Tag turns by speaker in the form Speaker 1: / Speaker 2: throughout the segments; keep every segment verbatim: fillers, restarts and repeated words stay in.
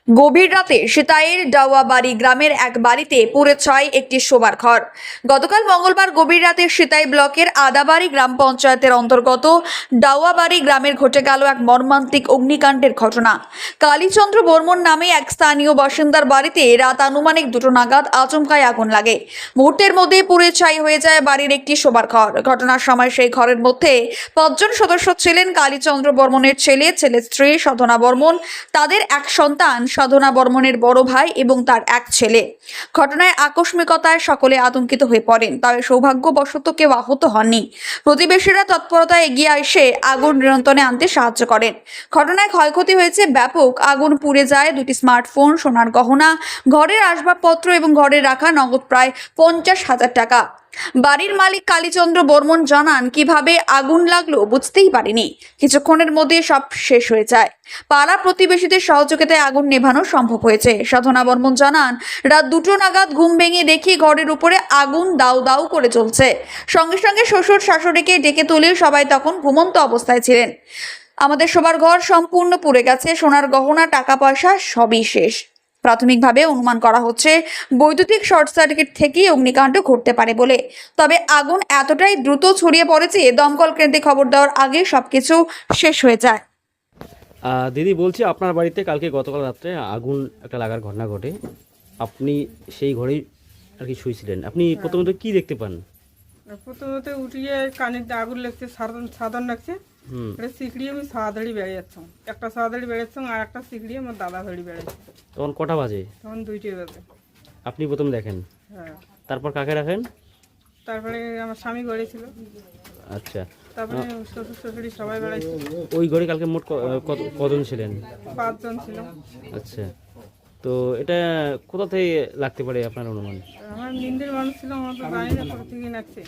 Speaker 1: গভীর রাতে সিতাইয়ের ডাওয়াবাড়ি গ্রামের এক বাড়িতে পুড়ে ছাই একটি শোবার ঘর। গতকাল মঙ্গলবার গভীর রাতে সিতাই ব্লকের আদাবাড়ি গ্রাম পঞ্চায়েতের অন্তর্গত ডাওয়াবাড়ি গ্রামের ঘটে গেল এক মর্মান্তিক অগ্নিকাণ্ডের ঘটনা। কালীচন্দ্র বর্মন নামে এক স্থানীয় বাসিন্দার বাড়িতে রাত আনুমানিক দুটো নাগাদ আচমকায় আগুন লাগে। মুহূর্তের মধ্যে পুড়ে ছাই হয়ে যায় বাড়ির একটি শোবার ঘর। ঘটনার সময় সেই ঘরের মধ্যে পাঁচজন সদস্য ছিলেন কালীচন্দ্র বর্মনের ছেলে, ছেলে স্ত্রী সাধনা বর্মন, তাদের এক সন্তান সাধনা বর্মনের বড় ভাই এবং তার এক ছেলে। ঘটনায় আকস্মিকতায় সকলে আতঙ্কিত হয়ে পড়েন, তবে সৌভাগ্যবশত কেউ আহত হননি। প্রতিবেশীরা তৎপরতায় এগিয়ে এসে আগুন নিয়ন্ত্রণে আনতে সাহায্য করেন। ঘটনায় ক্ষয়ক্ষতি হয়েছে ব্যাপক। আগুন পুড়ে যায় দুটি স্মার্টফোন, সোনার গহনা, ঘরের আসবাবপত্র এবং ঘরে রাখা নগদ প্রায় পঞ্চাশ হাজার টাকা। বাড়ির মালিক কালীচন্দ্র বর্মন জানান, কিভাবে আগুন লাগলো বুঝতেই পারিনি, কিছুক্ষণের মধ্যে সব শেষ হয়ে যায়। পাড়া প্রতিবেশীদের সহযোগিতায় আগুন নেভানো সম্ভব হয়েছে। সাধনা বর্মন জানান, রাত দুটো নাগাদ ঘুম ভেঙে দেখি ঘরের উপরে আগুন দাউ দাউ করে চলছে। সঙ্গে সঙ্গে শ্বশুর শাশুড়িকে ডেকে তুলে সবাই তখন ঘুমন্ত অবস্থায় ছিলেন। আমাদের শোবার ঘর সম্পূর্ণ পুড়ে গেছে, সোনার গহনা, টাকা পয়সা সবই শেষ। প্রাথমিকভাবে অনুমান করা হচ্ছে বৈদ্যুতিক শর্ট সার্কিট থেকেই অগ্নিকাণ্ড ঘটতে পারে বলে। তবে আগুন এতটাই দ্রুত ছড়িয়ে পড়েছে, দমকল কেন্দ্রে খবর দেওয়ার আগে সবকিছু শেষ হয়ে যায়।
Speaker 2: আহ, দিদি বলছি, আপনার বাড়িতে কালকে গতকাল রাত্রে আগুন একটা লাগার ঘটনা ঘটে। আপনি সেই ঘরেই আর কি শুয়েছিলেন। আপনি প্রথমত কি দেখতে পান?
Speaker 3: প্রথমত উঠিয়ে কানের দিয়ে আগুন লাগছে, সাধারণ সাধারণ লাগছে।
Speaker 2: হুম
Speaker 3: এটা সিকড়িয়ে আমি সাদাড়ি বেড়ে যাচ্ছি, একটা সাদাড়ি বেড়েছি আর একটা সিকড়িয়ে আমার দাদা ধরি বেড়েছে।
Speaker 2: তখন কটা বাজে?
Speaker 3: তখন দুইটে বাজে।
Speaker 2: আপনি প্রথম দেখেন,
Speaker 3: হ্যাঁ।
Speaker 2: তারপর কাকে রাখেন?
Speaker 3: তারপরে আমার স্বামী ঘরে ছিল,
Speaker 2: আচ্ছা,
Speaker 3: তারপরে শ্বশুর শাশুড়ি সবাই বেড়াইছে।
Speaker 2: ওই ঘরে কালকে মোট ক- কত কজন ছিলেন?
Speaker 3: পাঁচজন ছিল।
Speaker 2: আচ্ছা, তো এটা কোথা থেকে লাগতে পারে আপনার অনুমান?
Speaker 3: আমার নিন্দের মানুষ ছিল, আমার তো জানি না কোথা থেকে লাগছে।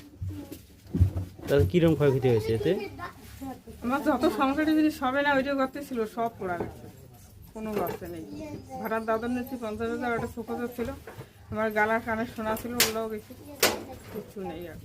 Speaker 2: তাহলে কীরকম ক্ষয়ক্ষতি হয়েছে এতে?
Speaker 3: আমার যত সংসারে জিনিস সবে না ওইটা গর্তে ছিল, সব পোড়া গেছে, কোনো গর্তে নেই। ভাড়ার দাদন নিচ্ছি পঞ্চাশ হাজার, ওটা সুখত ছিল। আমার গালার কানে শোনা ছিল, ওগুলোও গেছে, কিচ্ছু নেই। আর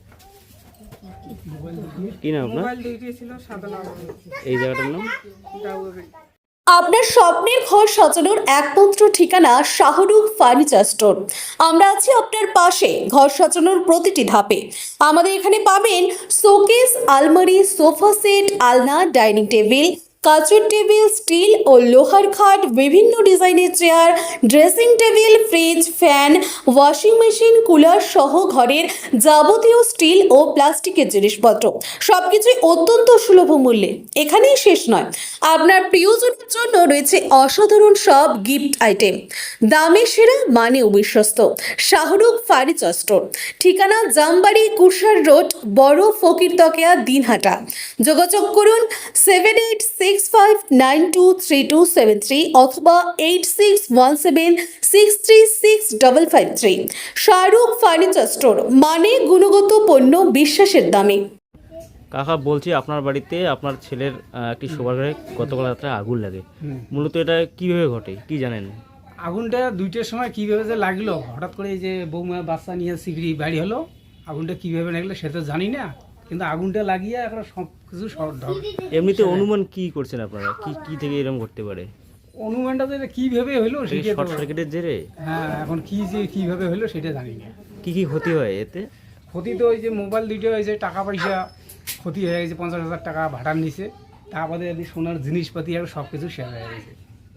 Speaker 2: কি নাম আপনার?
Speaker 3: মোবাইল দুইটি ছিল, সাধারণ
Speaker 2: এই জায়গাটার নাম?
Speaker 3: ডাউয়াবাড়ি।
Speaker 4: আপনার স্বপ্নের ঘর সাজানোর একমাত্র ঠিকানা শাহরুখ ফার্নিচার স্টোর। আমরা আছি আপনার পাশে ঘর সাজানোর প্রতিটি ধাপে। আমাদের এখানে পাবেন শোকেস, আলমারি, সোফা সেট, আলনা, ডাইনিং টেবিল, কাচের টেবিল, স্টিল ও লোহার খাট, বিভিন্ন ডিজাইনের chair, dressing table, fridge, fan, washing machine, cooler সহ ঘরের যাবতীয় স্টিল ও প্লাস্টিকের জিনিসপত্র সবকিছুই অত্যন্ত সুলভ মূল্যে। এখানেই শেষ নয়, আপনার প্রিয়জনের জন্য রয়েছে অসাধারণ সব গিফট আইটেম। দামে সেরা, মানে অবিশ্বস্ত। শাহরুখ ফার্নিচার স্টোর, ঠিকানা জামবাড়ি, কুরসার রোড, বড় ফকিরতকিয়া, দিনহাটা। যোগাযোগ করুন seven eight six five nine two three two seven three অথবা eight six one seven six three six double five three. Shahrukh furniture store, মানে গুণগত পণ্য বিশ্বাসের দামে।
Speaker 2: কাকা বলছি, আপনার বাড়িতে আপনার ছেলের আহ, একটি শোবার ঘরে গতকাল রাত্রে আগুন লাগে। মূলত এটা কিভাবে ঘটে, কি জানেন?
Speaker 5: আগুনটা দুইটার সময় কীভাবে যে লাগলো, হঠাৎ করে এই যে বৌমা বাচ্চা নিয়ে সিগড়ি বাড়ি হলো, আগুনটা কীভাবে লাগলো সেটা জানি না, কিন্তু আগুনটা লাগিয়ে এখন সব কিছু শর্ট হবে।
Speaker 2: এমনিতে অনুমান কি করছেন আপনারা, কি কি থেকে এরকম করতে পারে?
Speaker 5: অনুমানটা যে কীভাবে হলো সেটা
Speaker 2: শর্ট
Speaker 5: তো-
Speaker 2: সার্কিটের জেরে?
Speaker 5: হ্যাঁ, এখন কি যে কীভাবে হলো সেটা জানি না।
Speaker 2: কি কি ক্ষতি হয় এতে?
Speaker 5: ক্ষতি তো ওই যে মোবাইল দুইটা হয়েছে, টাকা পয়সা ক্ষতি হয়ে গেছে, পঞ্চাশ হাজার টাকা ভাড়ার নিচে, তারপরে যদি সোনার জিনিসপাতি আর সব কিছু শেয়ার হয়ে গেছে।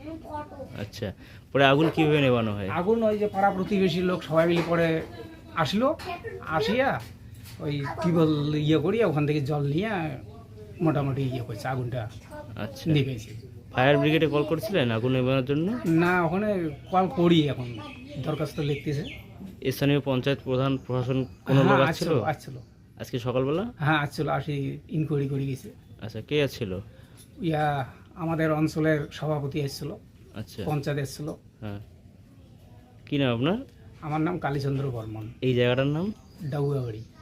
Speaker 2: আচ্ছা, পরে আগুন কিভাবে নেভানো হয়?
Speaker 5: আগুন ওই যে পাড়া প্রতিবেশী লোক সবাই মিলে পরে আসলো, আসিয়া ওই টিউবওয়েল ইয়ে করিয়া ওখান থেকে জল নিয়ে মোটামুটি ইয়ে করছে, আগুনটা
Speaker 2: আচ্ছা,
Speaker 5: নিভেছে।
Speaker 2: ফায়ার ব্রিগেডে কল করেছিলেন আগুন নেভানোর জন্য?
Speaker 5: না, ওখানে কল করি, এখন দরখাস্ত লিখতেছে।
Speaker 2: স্থানীয় পঞ্চায়েত প্রধান, প্রশাসন কোনো লোক
Speaker 5: হ্যাঁ,
Speaker 2: আসছিল
Speaker 5: আসছিল আসছিল
Speaker 2: আজকে সকালবেলা?
Speaker 5: হ্যাঁ আসছিল, আসি ইনকোয়ারি করে গেছে।
Speaker 2: আচ্ছা, কে আসছিল?
Speaker 5: ইয়া আমাদের অঞ্চলের সভাপতি এসেছিল,
Speaker 2: আচ্ছা,
Speaker 5: পঞ্চায়েত এসেছিল।
Speaker 2: হ্যাঁ, কি নাম আপনার?
Speaker 5: আমার নাম কালীচন্দ্র বর্মন,
Speaker 2: এই জায়গাটার নাম?
Speaker 5: ডাউয়াবাড়ি।